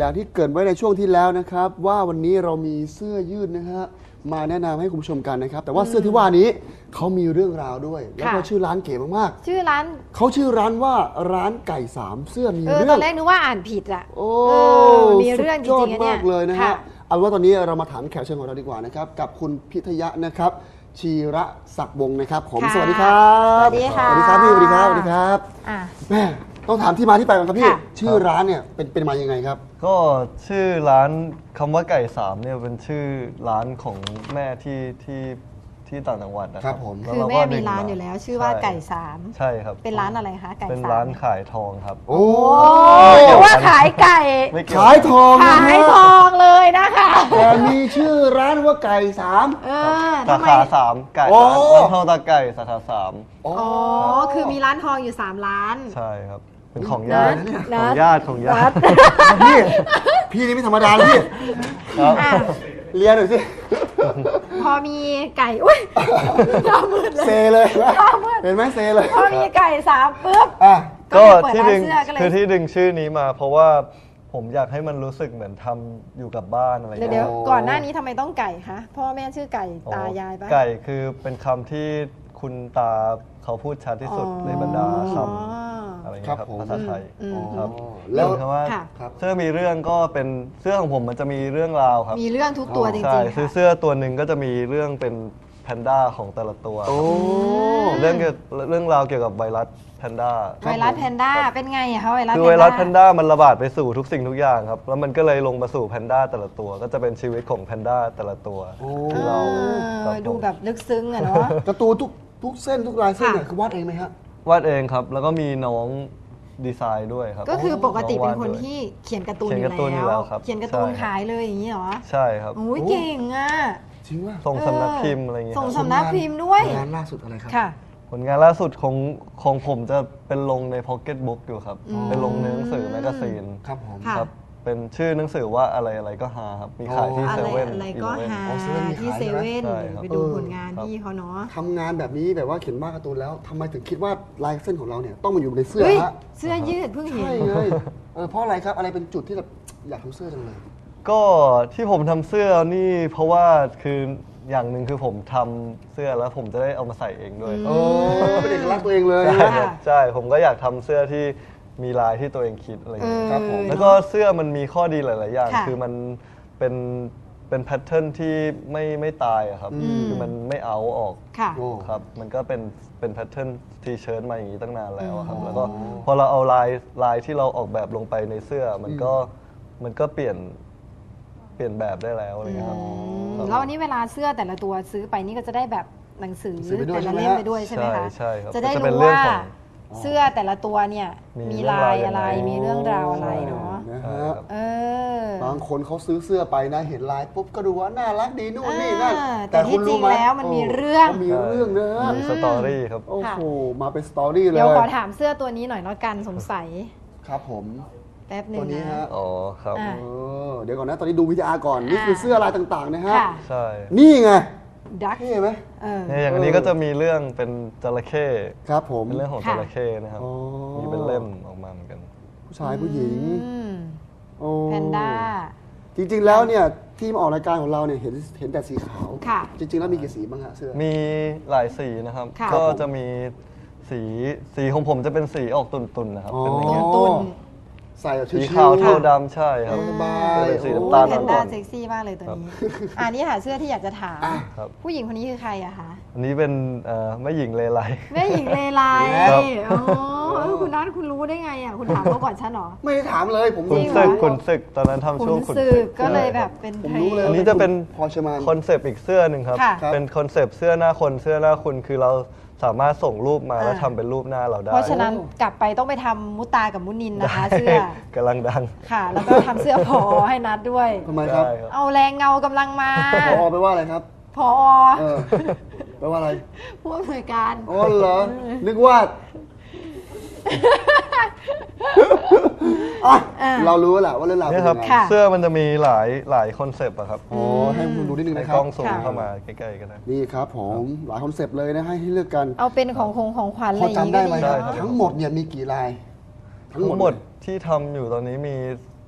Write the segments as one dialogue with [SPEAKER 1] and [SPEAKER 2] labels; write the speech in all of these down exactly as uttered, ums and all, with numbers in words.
[SPEAKER 1] อย่างที่เกริ่นไว้ในช่วงที่แล้วนะครับว่าวันนี้เรามีเสื้อยืดนะฮะมาแนะนำให้คุณผู้ชมกันนะครับแต่ว่าเสื้อที่ว่านี้เขามีเรื่องราวด้วยแล้วก็ชื่อร้านเก๋มาก
[SPEAKER 2] ๆชื่อร้าน
[SPEAKER 1] เขาชื่อร้านว่าร้านไก่สามเสื้อมีเรื่อง
[SPEAKER 2] ตอนแรกนึกว่าอ่านผิดอ่ะ
[SPEAKER 1] โอ้
[SPEAKER 2] มีเรื่องจริงๆเนี่ย
[SPEAKER 1] มากเลยนะฮะเอาว่าตอนนี้เรามาถามแขกเชิญของเราดีกว่านะครับกับคุณพิทยะนะครับชีระศักดิ์วงศ์นะครับผมสวัสดีครับ
[SPEAKER 2] สวัสดีค่ะ
[SPEAKER 1] สวัสดีครับพี่สวัสดีครับสวัสดีครับแม่ต้องถามที่มาที่ไปก่อนครับพี่ชื่อร้านเนี่ยเป็นเป็นมายังไงครับ
[SPEAKER 3] ก็ชื่อร้านคำว่าไก่สามเนี่ยเป็นชื่อร้านของแม่ที่ที่ที่ต่างจังหวัดนะครับ
[SPEAKER 1] ผม
[SPEAKER 2] คือแม่มีร้านอยู่แล้วชื่อว่าไก่สาม
[SPEAKER 3] ใช่ครับ
[SPEAKER 2] เป็นร้านอะไรคะไก่สาม
[SPEAKER 3] เป็นร้านขายทองครับ
[SPEAKER 1] โอ้
[SPEAKER 2] แต่ว่าขายไก่
[SPEAKER 1] ขายทอง
[SPEAKER 2] ขายทองเลยนะคะ
[SPEAKER 1] แต่มีชื่อร้านว่าไก่สาม
[SPEAKER 3] สาขาสามไก่ร้านทองตาไก่สาขาสาม
[SPEAKER 2] อ๋อคือมีร้านทองอยู่สามร้าน
[SPEAKER 3] ใช่ครับเป็นของญาติของญาติของญาติ
[SPEAKER 1] พี่พี่นี่ไม่ธรรมดาเลยพี่เรียนหน่อยสิ
[SPEAKER 2] พอมีไก่อุ้ยหน้ามืดเลย
[SPEAKER 1] เซเลยเห็นไหมเซเลย
[SPEAKER 2] พอมีไก่สามปุ๊บ
[SPEAKER 3] ก็ที่ดึงคือที่ดึงชื่อนี้มาเพราะว่าผมอยากให้มันรู้สึกเหมือนทำอยู่กับบ้านอะไรอย่างเงี้ย
[SPEAKER 2] เดี๋ยวก่อนหน้านี้ทำไมต้องไก่คะพ่อแม่ชื่อไก่ตายายปะ
[SPEAKER 3] ไก่คือเป็นคำที่คุณตาเขาพูดชัดที่สุดในบรรดาคำอะไรอย่างเงี้ยครับภาษาไทยครับแล้วคำว่าเสื้อมีเรื่องก็เป็นเสื้อของผมมันจะมีเรื่องราวครับ
[SPEAKER 2] มีเรื่องทุกตัวจริงๆใช่
[SPEAKER 3] ซื้อเสื้อตัวหนึ่งก็จะมีเรื่องเป็นแพนด้าของแต่ละตัวเรื่องเรื่องราวเกี่ยวกับไวรัสแพนด้า
[SPEAKER 2] ไวรัสแพนด้าเป็นไงอะคะไวรัส
[SPEAKER 3] คือไวรัสแพนด้ามันระบาดไปสู่ทุกสิ่งทุกอย่างครับแล้วมันก็เลยลงมาสู่แพนด้าแต่ละตัวก็จะเป็นชีวิตของแพนด้าแต่ละตัวที่เรา
[SPEAKER 2] ดูแบบลึกซึ้งอะเนาะ
[SPEAKER 1] การ์ตูนทุกทุกเส้นทุกลายเส้นเนี่ยคือวาดเองไหมฮะ
[SPEAKER 3] วาดเองครับแล้วก็มีน้องดีไซน์ด้วยครับ
[SPEAKER 2] ก็คือปกติเป็นคนที่เขียนการ์ตูนอยู่แล้วเขียนการ์ตูนขายเลยอย่างนี้เหรอ
[SPEAKER 3] ใช่ครับ
[SPEAKER 2] โอ้ยเก่งอ่ะ
[SPEAKER 1] จริงว่า
[SPEAKER 3] ส่งสำนักพิมพ์อะไรเงี้ย
[SPEAKER 2] ส่งสำนักพิมพ์ด้วย
[SPEAKER 1] งานล่าสุดอะไรครับ
[SPEAKER 2] ค่ะ
[SPEAKER 3] ผลงานล่าสุดของของผมจะเป็นลงในพ็อกเก็ตบุ๊กอยู่ครับเป็นลงในหนังสือแมกกาซีน
[SPEAKER 1] ครับผม
[SPEAKER 3] ครับเป็นชื่อหนังสือว่าอะไรอะไรก็หาครับมีขายที่เซเว่น
[SPEAKER 2] อะไรก็หาที่เซเว่นไปดูผลงานพี่เขาเนาะ
[SPEAKER 1] ทำงานแบบนี้แบบว่าเขียนวาดการ์ตูนแล้วทำไมถึงคิดว่าลายเส้นของเราเนี่ยต้องมาอยู่ในเสื้อฮะ
[SPEAKER 2] เสื้อยืดเพิ่งเห็น
[SPEAKER 1] ใช่เลยเพราะอะไรครับอะไรเป็นจุดที่แบบอยากทำเสื้อจังเลย
[SPEAKER 3] ก็ที่ผมทำเสื้อนี่เพราะว่าคืออย่างหนึ่งคือผมทำเสื้อแล้วผมจะได้เอามาใส่เองด้วย
[SPEAKER 1] โอ้เป็นเอกลักษณ์ตัวเองเลย
[SPEAKER 3] ใช่ผมก็อยากทำเสื้อที่มีลายที่ตัวเองคิดอะไรอย่างเงี้ยครับผมแล้วก็เสื้อมันมีข้อดีหลายๆอย่างคือมันเป็นเป็นแพทเทิร์นที่ไม่ไม่ตายอะครับคือมันไม่เอาออกครับมันก็เป็นเป็นแพทเทิร์นทีเชิ้ตมาอย่างนี้ตั้งนานแล้วครับแล้วก็พอเราเอาลายลายที่เราออกแบบลงไปในเสื้อมันก็มันก็เปลี่ยนเปลี่ยนแบบได้แล้วอะไรเงี้ยครับ
[SPEAKER 2] แล้วอันนี้เวลาเสื้อแต่ละตัวซื้อไปนี่ก็จะได้แบบหนังสือแต่ละเล่มไปด้วยใช่ไหมคะ
[SPEAKER 3] ใช่ครับ
[SPEAKER 2] จะได้รู้ว่าเสื้อแต่ละตัวเนี่ยมีลายอะไรมีเรื่องราวอะไรเนาะ
[SPEAKER 1] บางคนเขาซื้อเสื้อไปนะเห็นลายปุ๊บก็ดูว่าน่ารักดีนู่นนี่นั่น
[SPEAKER 2] แต่ที่จริงแล้วมันมีเรื่อง
[SPEAKER 1] มีเรื่องนะ
[SPEAKER 3] มีสตอรี่ครับ
[SPEAKER 1] โอ้โหมาเป็นสตอรี่เลย
[SPEAKER 2] เดี๋ยวขอถามเสื้อตัวนี้หน่อยแล้วกันสงสัย
[SPEAKER 1] ครับผม
[SPEAKER 2] แป๊บนึง
[SPEAKER 1] นะ
[SPEAKER 3] อ๋อครับ
[SPEAKER 1] เดี๋ยวก่อนนะตอนนี้ดูวิทยาก่อนนี่คือเสื้อลายต่างๆนะฮะ
[SPEAKER 3] ใช่
[SPEAKER 1] นี่ไง
[SPEAKER 2] ดัก
[SPEAKER 1] เห็นไหม
[SPEAKER 3] เนี่ยอย่างนี้ก็จะมีเรื่องเป็นจระเข้
[SPEAKER 1] ครับผม
[SPEAKER 3] เป็นเรื่องของจระเข้นะครับมีเป็นเล่มออกมาเหมือนกัน
[SPEAKER 1] ผู้ชายผู้หญิง
[SPEAKER 2] แพนด้า
[SPEAKER 1] จริงๆแล้วเนี่ยที่มาออกรายการของเราเนี่ยเห็นเห็นแต่สีขาวจริงๆแล้วมีกี่สีบ้างฮะเสื้อ
[SPEAKER 3] มีหลายสีนะครับก็จะมีสีสีของผมจะเป็นสีออกตุ่นๆนะครับเป็นอย่างเงี้ย
[SPEAKER 1] ใส่
[SPEAKER 3] สีขาวเทาดำใช่ครับ
[SPEAKER 1] สบาย
[SPEAKER 3] เป็นสีน้ำตาล
[SPEAKER 2] แพนด้าเซ็กซี่มากเลยตัวนี้อันนี้หาเสื้อที่อยากจะถามผู้หญิงคนนี้คือใครอะคะ
[SPEAKER 3] อันนี้เป็นแม่หญิงเลไล
[SPEAKER 2] แม่หญิงเลไลอ๋อคุณนัทคุณรู้ได้ไงอะคุณถามเขาก่อนฉันหรอ
[SPEAKER 1] ไม่ได้ถามเลยผม
[SPEAKER 3] ขุนศึกขุนศึกตอนนั้นทำช่วงขุนศึก
[SPEAKER 2] ก็เลยแบบเป็น
[SPEAKER 1] ผมรู้เลย
[SPEAKER 3] อันนี้จะเป็นคอนเซปต์อีกเสื้อหนึ่งครับเป็นคอนเซปต์เสื้อหน้าคนเสื้อหน้าคุณคือเราสามารถส่งรูปมาแล้วทำเป็นรูปหน้าเราได้
[SPEAKER 2] เพราะฉะนั้นกลับไปต้องไปทำมุตากับมุนินนะคะเสื้
[SPEAKER 3] อกำลังดัง
[SPEAKER 2] ค่ะแล้วก็ทำเสื้อพอให้นัดด้วย
[SPEAKER 1] ทำไมครับ
[SPEAKER 2] เอาแรงเงากำลังมา
[SPEAKER 1] พอไปว่าอะไรครับ
[SPEAKER 2] พอ
[SPEAKER 1] แปลว่าอะไร
[SPEAKER 2] ผู้อำนวยการ
[SPEAKER 1] อ๋อเหรอนึกว่าเรารู้แหละว่าเรื่องราวเป็นยังไง
[SPEAKER 3] เสื้อมันจะมีหลายหลายคอนเซปต์อะครับ
[SPEAKER 1] อ๋อให้คุณดูนิดนึงนะครับ
[SPEAKER 3] กล้องสูงเข้ามาใกล้ๆกันนะ
[SPEAKER 1] นี่ครับผมหลายคอนเซปต์เลยนะให้เลือกกัน
[SPEAKER 2] เอาเป็นของคงของขวัญอะไรอย่าง
[SPEAKER 1] นี้ก็ดีทั้งหมดเนี่ยมีกี่ลาย
[SPEAKER 3] ทั้งหมดที่ทำอยู่ตอนนี้มี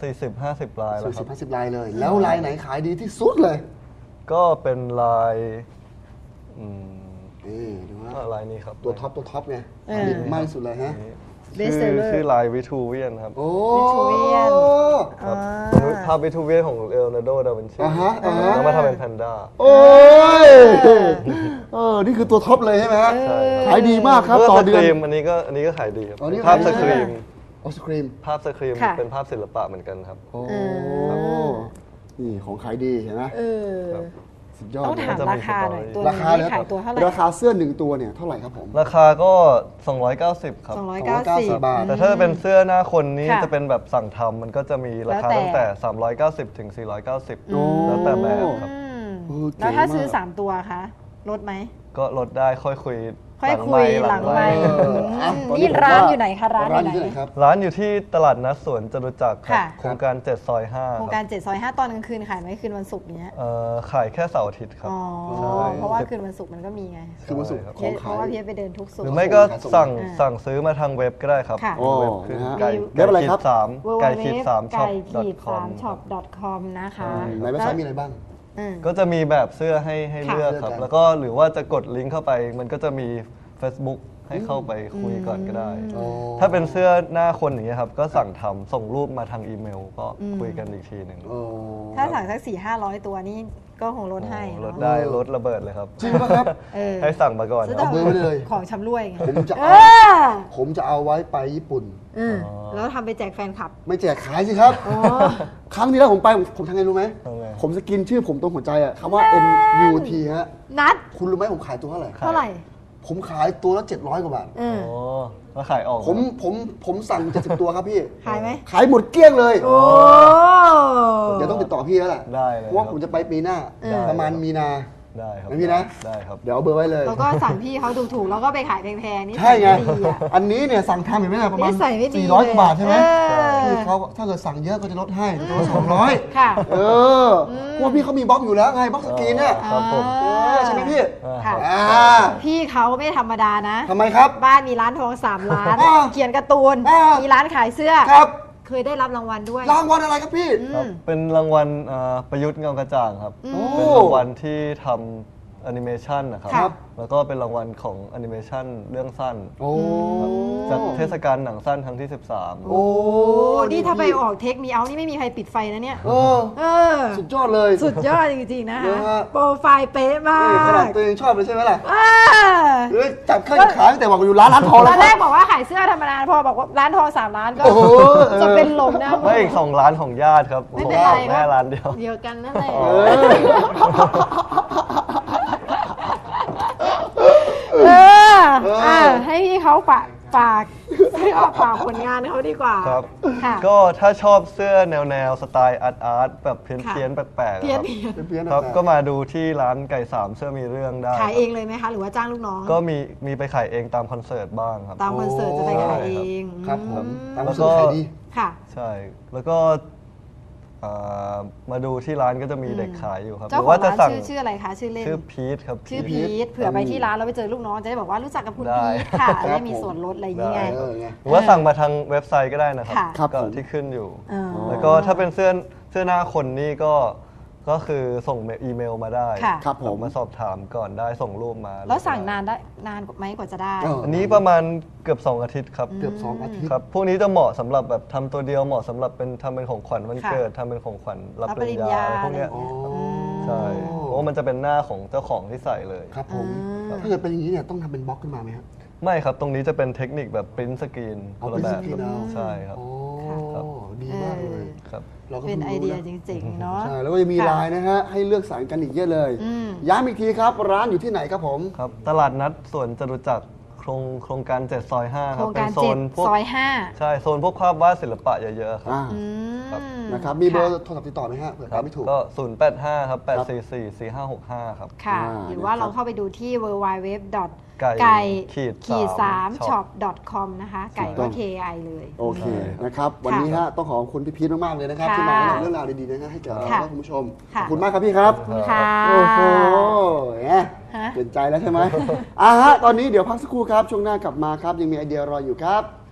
[SPEAKER 3] สี่สิบห้าสิบลายแล้ว
[SPEAKER 1] สี่
[SPEAKER 3] ค
[SPEAKER 1] สิ
[SPEAKER 3] รั
[SPEAKER 1] บบ ห้าสิบลายเลย แล้วลายไหนขายดีที่สุดเลย
[SPEAKER 3] ก็เป็นลายอืม
[SPEAKER 1] นี่ดูฮะ
[SPEAKER 3] ก็ลายนี้ครับ
[SPEAKER 1] ตัวท็อปตัวท็อปไง
[SPEAKER 2] เออ
[SPEAKER 1] ขายดีมากที่สุดเลยฮะ
[SPEAKER 3] ชื่อ
[SPEAKER 2] Bestseller
[SPEAKER 3] ชื่อลายวิทูเวียนครับ
[SPEAKER 1] โอ้
[SPEAKER 2] Vitruvian
[SPEAKER 3] ครับ
[SPEAKER 2] อ่า
[SPEAKER 3] เป็นภาพวิทูเวียนของเลโอนาร์โด ดาวินชี
[SPEAKER 1] อ่าฮะอ่าฮะ
[SPEAKER 3] แล้วมาทำเป็นแพนด้า
[SPEAKER 1] โอ้ยเออนี่คือตัวท็อปเลยใช่ไหมฮะ
[SPEAKER 3] ใช่ครับ
[SPEAKER 1] ขายดีมากครับ
[SPEAKER 3] แล้วก็
[SPEAKER 1] ต่อ
[SPEAKER 3] ส
[SPEAKER 1] เดื
[SPEAKER 3] ค
[SPEAKER 1] อน
[SPEAKER 3] รีมอันนี้ก็อันนี้ก็ขายดีครับ
[SPEAKER 1] อ๋อนี่
[SPEAKER 3] ภาพ
[SPEAKER 1] ขายดี
[SPEAKER 3] สครีม
[SPEAKER 1] ไอศครีม
[SPEAKER 3] ภาพสครีม
[SPEAKER 2] ค่ะ
[SPEAKER 3] เป็นภาพศิลปะเหมือนกันครับ
[SPEAKER 1] โอ้นี่ของขายดีเห็นไหม
[SPEAKER 2] เออ
[SPEAKER 3] ครับ
[SPEAKER 1] สุดยอด
[SPEAKER 2] ต้อง
[SPEAKER 1] เลย
[SPEAKER 2] ถาม
[SPEAKER 3] จะมี
[SPEAKER 2] ราคาหน่อย
[SPEAKER 3] สตอรี่
[SPEAKER 2] ตัว
[SPEAKER 1] รา
[SPEAKER 2] นี้
[SPEAKER 1] คาเลย
[SPEAKER 2] ขายตัวเท่าไหร่
[SPEAKER 1] ราคาเสื้อหนึ่งตัวเนี่ยเท่าไหร่ครับผม
[SPEAKER 3] ราคาก็ สองร้อยเก้าสิบ ครับ
[SPEAKER 2] สองร้อยเก้าสิบ
[SPEAKER 1] บาท
[SPEAKER 3] แต่ถ้าเป็นเสื้อหน้าคนนี้
[SPEAKER 2] ค่ะ
[SPEAKER 3] จะเป็นแบบสั่งทำมันก็จะมีราคา
[SPEAKER 2] แล้วแต่
[SPEAKER 3] ตั้งแต่ สามร้อยเก้าสิบ ถึง สี่ร้อยเก้าสิบ
[SPEAKER 1] โอ้
[SPEAKER 3] แล้วแต่แบบครับ
[SPEAKER 2] อืม
[SPEAKER 1] เออเก๋
[SPEAKER 2] แล้วถ้าซื้อ
[SPEAKER 1] มาก
[SPEAKER 2] สามตัวคะลดไหม
[SPEAKER 3] ก็ลดได้ค่อยคุย
[SPEAKER 2] ค่อยคุยหลังไมค์
[SPEAKER 1] เอออ่ะตอน
[SPEAKER 2] นี่
[SPEAKER 1] ผม
[SPEAKER 2] ร้าน
[SPEAKER 1] ว่
[SPEAKER 2] อยู่ไหนคะร้าน
[SPEAKER 1] ร้านอ
[SPEAKER 2] อยู่
[SPEAKER 1] ยู่
[SPEAKER 2] ไหน
[SPEAKER 1] ที่ไหนครับ
[SPEAKER 3] ร้านอยู่ที่ตลาดนัดสวนจตุจักรครับ
[SPEAKER 2] ค่ะ
[SPEAKER 3] โครงการเจ็ดซอยห้า
[SPEAKER 2] โครง
[SPEAKER 3] ค
[SPEAKER 2] กา
[SPEAKER 3] รั
[SPEAKER 2] ร
[SPEAKER 3] บ
[SPEAKER 2] เจ็ดซอยห้าตอนกลางคืนขายไหมคืนวันศุกร์เนี้ย
[SPEAKER 3] เอ่อขายแค่เสาร์อาทิตย์ครับ
[SPEAKER 2] อ๋อ
[SPEAKER 3] ใช่
[SPEAKER 2] เพราะว่าคืนวันศุกร์มันก็มีไง
[SPEAKER 1] คือวันศุกร์
[SPEAKER 3] ใช่ครับ
[SPEAKER 1] ของ
[SPEAKER 2] เพ
[SPEAKER 1] ขาย
[SPEAKER 2] ราะว่าพี่ไปเดินทุกศุก
[SPEAKER 3] หรื
[SPEAKER 2] ร์
[SPEAKER 3] อไม่ก็สั่ง
[SPEAKER 2] อ่า
[SPEAKER 3] สั่งซื้อมาทางเว็บก็ได้ครับ
[SPEAKER 2] ค่ะ
[SPEAKER 1] โอ้
[SPEAKER 3] เว็บคือ
[SPEAKER 1] นะฮะ
[SPEAKER 3] ไก่
[SPEAKER 1] เว็บอะไรครับ
[SPEAKER 3] สาม
[SPEAKER 2] w w w
[SPEAKER 3] ไก่ขีดสามช็อป
[SPEAKER 2] ไก่ขีด
[SPEAKER 3] คอ
[SPEAKER 2] สาม มช็อป .com นะคะ
[SPEAKER 1] ในเว็บไซต์มีอะไรบ้าง
[SPEAKER 2] อืม
[SPEAKER 3] ก็จะมีแบบเสื้อให้ให้
[SPEAKER 2] ค่ะ
[SPEAKER 3] เลือกครับ
[SPEAKER 1] เลือกกัน
[SPEAKER 3] แล้วก็หรือว่าจะกดลิงก์เข้าไป มันก็จะมี Facebook ให้เข้าไปคุยก่อนก็ได้
[SPEAKER 1] โอ้
[SPEAKER 3] ถ้าเป็นเสื้อหน้าคนอย่างเงี้ยครับ ก็สั่งทำส่งรูปมาทางอีเมล ก็คุยกันอีกทีหนึ่ง
[SPEAKER 1] โอ้
[SPEAKER 2] ถ้าสั่งสักสี่ห้าร้อยตัวนี่ก็คงลดให้
[SPEAKER 3] โอ้ล
[SPEAKER 2] เนาะ
[SPEAKER 3] ดได้ลดระเบิดเลยครับ
[SPEAKER 1] จริงปะครับ
[SPEAKER 2] เออ
[SPEAKER 3] ให้สั่งมาก่อน
[SPEAKER 2] ซื้อ
[SPEAKER 3] ค
[SPEAKER 2] ต่
[SPEAKER 3] รับ
[SPEAKER 1] เบอร์ไว้เลย
[SPEAKER 2] ของชำร่วยไง
[SPEAKER 1] ผมจะ
[SPEAKER 2] เอ
[SPEAKER 1] เอา
[SPEAKER 2] อ
[SPEAKER 1] ผมจะเอาไว้ไปญี่ปุ่น
[SPEAKER 2] อืมแล้วทำไปแจกแฟนคลับ
[SPEAKER 1] ไม่แจกขายสิครับ
[SPEAKER 2] อ๋อ
[SPEAKER 1] ครั้งที่แล้วผมไปผมผมทำไงรู้ไหม
[SPEAKER 3] ทำไง
[SPEAKER 1] ผมสกินชื่อผมตรงหัวใจอะคำว่า N U T ฮะ
[SPEAKER 2] นัด
[SPEAKER 1] คุณรู้ไหมผมขายตัวเท่าไหร่
[SPEAKER 2] เท่าไหร่
[SPEAKER 1] ผมขายตัวละเจ็ดร้อยกว่าบาท
[SPEAKER 2] เออ
[SPEAKER 3] โอ้แล้วขายออก
[SPEAKER 1] ผมผมผมสั่งเจ็ดสิบตัวครับพี่
[SPEAKER 2] ขายไหม
[SPEAKER 1] ขายหมดเกลี้ยงเลย
[SPEAKER 2] โอ้
[SPEAKER 1] เดี๋ยวต้องติดต่อพี่แล้วแหละ
[SPEAKER 3] ได้เลย
[SPEAKER 1] เพราะว่า
[SPEAKER 3] ค
[SPEAKER 1] ผ
[SPEAKER 3] บ
[SPEAKER 1] มจะไปปีหน้า
[SPEAKER 2] เออ
[SPEAKER 1] ประมาณมีนา
[SPEAKER 3] ได้ครับ
[SPEAKER 1] ไม่มีนะ
[SPEAKER 3] ได้ครับ
[SPEAKER 1] เดี๋ยวเอาเบอร์ไว้เลย
[SPEAKER 2] แล้วก็สั่งพี่เขาถูกๆแล้วก็ไปขายแพงๆนี่
[SPEAKER 1] ใช่ไง
[SPEAKER 2] ดีอะ
[SPEAKER 1] อันนี้เนี่ยสั่งทำเห็นไหมล่ะประมาณ
[SPEAKER 2] นิสัยไม่ดี
[SPEAKER 1] สี่ร้อยกว่าบาทใช่ไหม
[SPEAKER 2] เออ
[SPEAKER 1] พี่เขาถ้าเกิดสั่งเยอะก็จะลดให้ตัวละสองร้อย
[SPEAKER 2] ค่ะ
[SPEAKER 1] เออเพราะว่าพี่เขามีบล็อกอยู่แล้วไงบล็อกสกรีนเนี่ย
[SPEAKER 3] ครับผม
[SPEAKER 1] เออใช่ไหมพี่
[SPEAKER 2] ค่ะ
[SPEAKER 1] อ่า
[SPEAKER 2] พี่เขาไม่ธรรมดานะ
[SPEAKER 1] ทำไมครับ
[SPEAKER 2] บ้านมีร้านทองสามร้าน
[SPEAKER 1] อ่า
[SPEAKER 2] เขียนการ์ตูน
[SPEAKER 1] อ่ามี
[SPEAKER 2] มีร้านขายเสื้อ
[SPEAKER 1] ครับ
[SPEAKER 2] เคยได้รับรางวัลด้วย
[SPEAKER 1] รางวัลอะไรครับพี่
[SPEAKER 3] ครับเป็นรางวัลอ่าประยุทธ์เงากระจ่างครับ
[SPEAKER 1] โอ้
[SPEAKER 3] เป็นรางวัลที่ทำแอนิเมชันนะครับ
[SPEAKER 2] ครับ
[SPEAKER 3] แล้วก็เป็นรางวัลของแอนิเมชันเรื่องสั้น
[SPEAKER 1] โอ้
[SPEAKER 3] จากเทศกาลหนังสั้นครั้งที่ สิบสาม
[SPEAKER 1] โอ้
[SPEAKER 2] โอ้นี่ถ้าไปออกเทคมีเอานี่ไม่มีใครปิดไฟนะเนี่ย
[SPEAKER 1] เออ
[SPEAKER 2] เออ
[SPEAKER 1] สุดยอดเลย
[SPEAKER 2] สุดยอดจริงๆนะ
[SPEAKER 1] เน
[SPEAKER 2] คะ
[SPEAKER 1] อะฮะ
[SPEAKER 2] โปรไฟล์เป๊ะมา
[SPEAKER 1] นี่ขนาด
[SPEAKER 2] ก
[SPEAKER 1] ตัวเองชอบเลยใช่ไหมล่ะ
[SPEAKER 2] อ่า
[SPEAKER 1] เอ้ยจับเครื่องขาตั้งแต่บอกอยู่ร้านร้านทอง
[SPEAKER 2] ต
[SPEAKER 1] แล้
[SPEAKER 2] อ
[SPEAKER 1] วน ค
[SPEAKER 2] แร
[SPEAKER 1] รั
[SPEAKER 2] ก
[SPEAKER 1] บ
[SPEAKER 2] บอกว่าขายเสื้อธรรมดาพอบอกว่าร้านทองสามร้านก็
[SPEAKER 1] โอ้โห
[SPEAKER 2] จะเป็นลมนะ
[SPEAKER 3] ไม่อีกสองร้านของญาติครับ
[SPEAKER 2] ไม่เป็นไร
[SPEAKER 3] ของแม่ร้านเดียว
[SPEAKER 2] เดียวกันนั่นแหละ
[SPEAKER 1] เออ
[SPEAKER 2] เออ
[SPEAKER 1] เออ
[SPEAKER 2] อ่ะให้พี่เขาฝากฝากให้เขาฝากผลงานเขาดีกว่า
[SPEAKER 3] ครับ
[SPEAKER 2] ค่ะ
[SPEAKER 3] ก็ถ้าชอบเสื้อแนวแนวๆสไตล์อาร์ตอาร์ตแบบเพี้ยน
[SPEAKER 2] ค่ะ
[SPEAKER 3] เพี้ยนๆแปลกๆ
[SPEAKER 2] เพี้ยน
[SPEAKER 3] ครับ
[SPEAKER 2] เพี้ยน
[SPEAKER 1] เพี้ยนๆ
[SPEAKER 3] ครับ
[SPEAKER 1] นะ
[SPEAKER 3] ก็มาดูที่ร้านไก่สามเสื้อมีเรื่องได้
[SPEAKER 2] ขายเองเลยไหมคะ หรือว่าจ้างลูกน้อง
[SPEAKER 3] ก็มีมีไปขายเองตามคอนเสิร์ตบ้างครับ
[SPEAKER 2] ตามคอนเสิร์ตจะไปขายเอง
[SPEAKER 1] ครับผมตาม
[SPEAKER 3] แล้
[SPEAKER 1] มาว ซื้
[SPEAKER 3] ก็
[SPEAKER 1] อขายดี
[SPEAKER 2] ค่ะ
[SPEAKER 3] ใช่ แล้วก็อ่ามาดูที่ร้านก็จะมีเด็กขายอยู่ครับ
[SPEAKER 2] เจ้า
[SPEAKER 3] หรือ
[SPEAKER 2] ของ
[SPEAKER 3] ว่าจะ
[SPEAKER 2] ร้าน
[SPEAKER 3] สั่ง
[SPEAKER 2] ชื่อชื่ออะไรคะ ชื่อเล่น
[SPEAKER 3] ชื่อพีทครับ
[SPEAKER 2] ชื่อ
[SPEAKER 3] ท
[SPEAKER 2] พีทเผื่อไปที่ร้านแล้วไปเจอลูกน้องจะได้บอกว่ารู้จักกับคุณ
[SPEAKER 3] ได้
[SPEAKER 2] พีทค่ะ
[SPEAKER 1] ครับ
[SPEAKER 2] จะได้มีส่วนลดอะไรอย่างเงี้ย
[SPEAKER 3] ได้
[SPEAKER 1] เออไง
[SPEAKER 3] หรือว่าสั่งมาทางเว็บไซต์ก็ได้นะครับ
[SPEAKER 2] ค่ะ
[SPEAKER 1] ครับ
[SPEAKER 3] ก็
[SPEAKER 1] ผม
[SPEAKER 3] ที่ขึ้นอยู่
[SPEAKER 2] อ๋อ
[SPEAKER 3] แล้วก็ถ้าเป็นเสื้อเสื้อหน้าคนนี่ก็ก็คือส่งอีเมลมาได้
[SPEAKER 2] ค่ะ
[SPEAKER 1] ครับผม
[SPEAKER 3] มาสอบถามก่อนได้ส่งรูปมา
[SPEAKER 2] แล้วสั่งนานได้นานไหมกว่าจะได้
[SPEAKER 1] เออ
[SPEAKER 3] อันนี้ประมาณเกือบสองอาทิตย์ครับ
[SPEAKER 1] เกือบสองอาทิตย์
[SPEAKER 3] ครับพวกนี้จะเหมาะสำหรับแบบทำตัวเดียวเหมาะสำหรับเป็นทำเป็นของขวัญวัน
[SPEAKER 2] ค่ะ
[SPEAKER 3] เกิดทำเป็นของขวัญรับ
[SPEAKER 2] รับ
[SPEAKER 3] ป
[SPEAKER 2] ป
[SPEAKER 3] ริ
[SPEAKER 2] ริ
[SPEAKER 3] ญ
[SPEAKER 2] ญ
[SPEAKER 3] ญา
[SPEAKER 2] ญา
[SPEAKER 3] อะไรพวกเนี้ย
[SPEAKER 2] อะไรอย่างเงี้ย
[SPEAKER 3] ใช่เพราะว่ามันจะเป็นหน้าของเจ้าของที่ใส่เลย
[SPEAKER 1] ครับผม
[SPEAKER 2] อ่า
[SPEAKER 1] ถ้าเกิดเป็นอย่างนี้เนี่ยต้องทำเป็นบล็อกขึ้นมาไหมครับ
[SPEAKER 3] ไม่ครับตรงนี้จะเป็นเทคนิคแบบปริ้นสกรีนค
[SPEAKER 1] เอา
[SPEAKER 3] นละแบบ
[SPEAKER 1] print screen เอา
[SPEAKER 3] ใช่ครับ
[SPEAKER 1] โอ้
[SPEAKER 3] ครับ
[SPEAKER 1] ดีมากเลย
[SPEAKER 3] ครับ
[SPEAKER 1] เราก็
[SPEAKER 2] เป็น
[SPEAKER 1] พิ่ง
[SPEAKER 2] ไอ
[SPEAKER 1] รู้
[SPEAKER 2] เดีย
[SPEAKER 1] นะ
[SPEAKER 2] จริงๆเนาะ
[SPEAKER 1] ใช่แล้วก็จะมี
[SPEAKER 2] ค่ะ
[SPEAKER 1] ไลน์นะฮะให้เลือกสรรกันอีกเยอะเลย
[SPEAKER 2] อืม
[SPEAKER 1] ย้ำอีกทีครับ ร้านอยู่ที่ไหนครับผม
[SPEAKER 3] ครับตลาดนัดสวนจตุจักรโครงโครงการเจ็ดซอยห้า
[SPEAKER 2] โค
[SPEAKER 3] ครั
[SPEAKER 2] ร
[SPEAKER 3] บ
[SPEAKER 2] ง
[SPEAKER 3] เป็
[SPEAKER 2] การ
[SPEAKER 3] นโซ
[SPEAKER 2] เจ็ด
[SPEAKER 3] นพวก
[SPEAKER 2] ซอยห้า
[SPEAKER 3] ใช่โซนพวกภาพวาดศิลปะเยอะๆครับ
[SPEAKER 1] อ่า
[SPEAKER 2] อืม
[SPEAKER 3] ครับ
[SPEAKER 1] นะครับมีเบอร์โทรศัพท์ติดต่อไหมฮะเผื่อ
[SPEAKER 3] ค
[SPEAKER 1] ใคร
[SPEAKER 3] รับ
[SPEAKER 1] ไม่ถูก
[SPEAKER 3] ก็ศูนย์แปดห้าครับแปดสี่สี่สี่ห้าหกห้าครับ
[SPEAKER 2] ค่ะ
[SPEAKER 1] อ่า
[SPEAKER 2] หรือว่า
[SPEAKER 1] นะครับ
[SPEAKER 2] เราเข้าไปดูที่ ดับเบิลยู ดับเบิลยู ดับเบิลยู ดอท
[SPEAKER 3] ไก่
[SPEAKER 2] ไก่
[SPEAKER 3] ขีด
[SPEAKER 2] ขีดสาม
[SPEAKER 3] ช็
[SPEAKER 2] ช็
[SPEAKER 3] อ
[SPEAKER 2] อ
[SPEAKER 3] ป
[SPEAKER 2] ป ดอท คอม นะคะ ไก่
[SPEAKER 1] ถูกต้
[SPEAKER 2] ก็
[SPEAKER 1] อง
[SPEAKER 2] เค ไอ เลย
[SPEAKER 1] โอเคนะครับ วันนี้ฮะต้องขอบคุณพี่พีทมากๆเลยนะครับ
[SPEAKER 2] ค่ะ
[SPEAKER 1] ที่มาเล่าเรื่องราวดีๆนะฮะให้แก่เรา
[SPEAKER 2] ค่ะ
[SPEAKER 1] และคุณผู้ชมข
[SPEAKER 2] ค่ะ
[SPEAKER 1] อบคุณมากครับพี่ครับ
[SPEAKER 2] ขอบคุณค่ะ
[SPEAKER 1] โอ้โหแหม
[SPEAKER 2] ฮะ
[SPEAKER 1] เปลี่ยนใจแล้วใช่ไหมอ่าฮะตอนนี้เดี๋ยวพักสักครู่ครับช่วงหน้ากลับมาครับยังมีไอเดียรออยู่ครับ